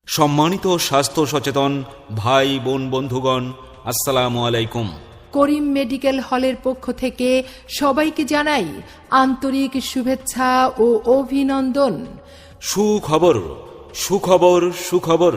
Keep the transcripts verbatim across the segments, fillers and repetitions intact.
সম্মানিত স্বাস্থ্য সচেতন ভাই বোন বন্ধুগণ, আসসালামু আলাইকুম। করিম মেডিকেল হলের পক্ষ থেকে সবাইকে জানাই আন্তরিক শুভেচ্ছা ও অভিনন্দন। সুখবর সুখবর সুখবর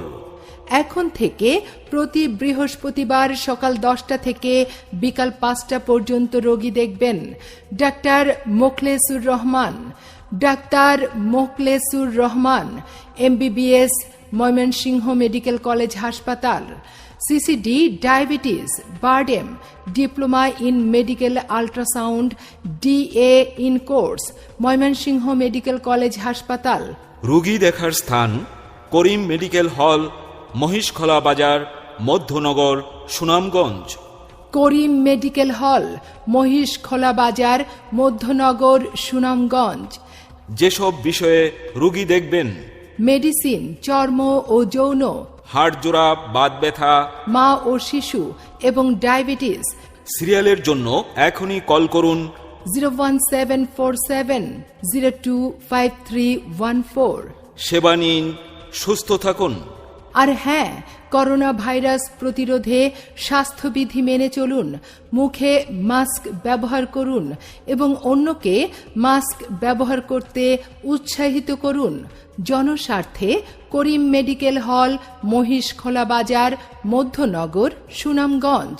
এখন থেকে প্রতি বৃহস্পতিবার সকাল দশটা থেকে বিকাল পাঁচটা পর্যন্ত রোগী দেখবেন doctor Mokhlesur Rahman. Doctor Mokhlesur Rahman MBBS, Mymensingh medical college হাসপাতাল। CCD diabetes, BIRDEM, diploma in medical ultrasound, DA in course, Mymensingh medical college হাসপাতাল। রোগী দেখার স্থান করিম মেডিকেল হল, মহিষখলা বাজার, মধ্যনগর, সুনামগঞ্জ। করিম মেডিকেল হল, মহিষখলা বাজার, মধ্যনগর, সুনামগঞ্জ। যেসব বিষয়ে রোগী দেখবেন: মেডিসিন, চর্ম ও যৌন, হাড় জোড়া, বাত ব্যথা, মা ও শিশু এবং ডায়াবেটিস। সিরিয়ালের জন্য এখনই কল করুন zero one seven four seven zero two five three one four. সেবা নিন, সুস্থ থাকুন। আর হ্যাঁ, করোনা ভাইরাস প্রতিরোধে স্বাস্থ্যবিধি মেনে চলুন, মুখে মাস্ক ব্যবহার করুন এবং অন্যকে মাস্ক ব্যবহার করতে উৎসাহিত করুন। জনস্বার্থে করিম মেডিকেল হল, মহিষখলা বাজার, মধ্যনগর, সুনামগঞ্জ।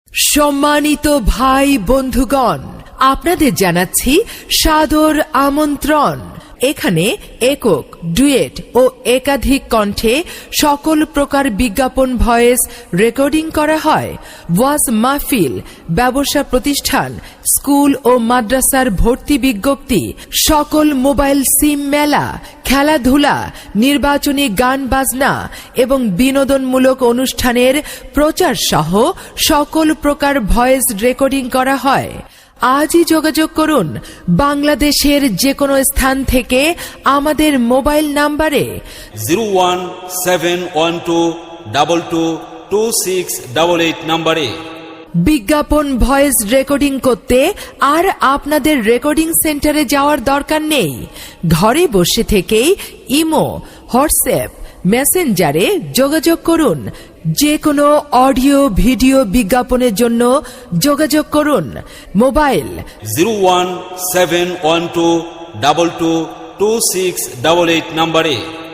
সম্মানিত ভাই বন্ধুগণ, আপনাদের জানাচ্ছি সাদর আমন্ত্রণ। এখানে একক, ডুয়েট ও একাধিক কণ্ঠে সকল প্রকার বিজ্ঞাপন ভয়েস রেকর্ডিং করা হয়। ওয়াজ মাহফিল, ব্যবসা প্রতিষ্ঠান, স্কুল ও মাদ্রাসার ভর্তি বিজ্ঞপ্তি, সকল মোবাইল সিম মেলা, খেলাধুলা, নির্বাচনী গান বাজনা এবং বিনোদনমূলক অনুষ্ঠানের প্রচার সহ সকল প্রকার ভয়েস রেকর্ডিং করা হয়। আজই যোগাযোগ করুন বাংলাদেশের যে কোনো স্থান থেকে আমাদের মোবাইল নাম্বারে zero one seven one two double two two six double eight নাম্বারে। বিজ্ঞাপন ভয়েস রেকর্ডিং করতে আর আপনাদের রেকর্ডিং সেন্টারে যাওয়ার দরকার নেই। ঘরে বসে থেকেই ইমো, হোয়াটসঅ্যাপ, মেসেঞ্জারে যোগাযোগ করুন। যে কোনো অডিও ভিডিও বিজ্ঞাপনের জন্য যোগাযোগ করুন mobile zero one seven one two double two two six double eight নাম্বারে।